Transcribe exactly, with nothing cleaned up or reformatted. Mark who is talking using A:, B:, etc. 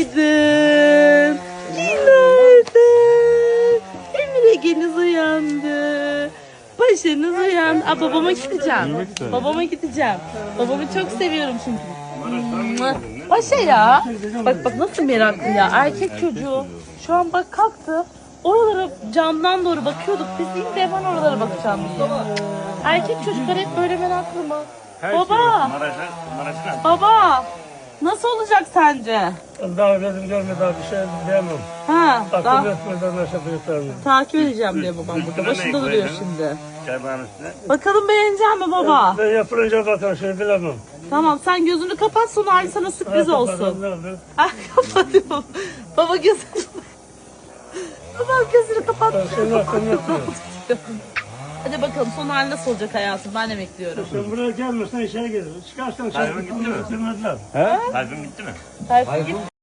A: Günaydın. Günaydın. Emir Ege'niz uyandı. Paşanız uyandı. Aa, babama gideceğim. Babama gideceğim. Babamı çok seviyorum çünkü. Paşa ya. Bak bak nasıl meraklı ya. Erkek çocuğu. Şu an bak kalktı. Oralara camdan doğru bakıyorduk. Biz değil de hemen oralara bakacağım diye. Erkek çocuklar hep böyle meraklı mı? Baba. Baba. Nasıl olacak sence?
B: Daha gözüm görmedi daha bir şey diyemem.
A: Ha, daha
B: Akıl etmeden aşağı yutarım.
A: takip edeceğim diye babam burada. Başında duruyor şimdi.
C: Çaybanın üstüne.
A: Bakalım beğenecek mi baba?
B: Ben yapılınca bakar şey bilemem.
A: Tamam sen gözünü kapat sonra Ali sana sürpriz
B: Ha,
A: olsun.
B: kapatalım, ne olur.
A: Ah kapatıyorum. Baba gözünü Babam gözünü kapat.
B: Ben senin aklını yapıyorum.
A: Hadi bakalım son hali nasıl olacak hayatım ben de bekliyorum.
B: Sen buraya gelmezsen işe gelir. Çıkarsan sen
C: Tayfun gitti mi?
B: bitirmediler.
C: Tayfun gitti mi?
A: Tayfun git.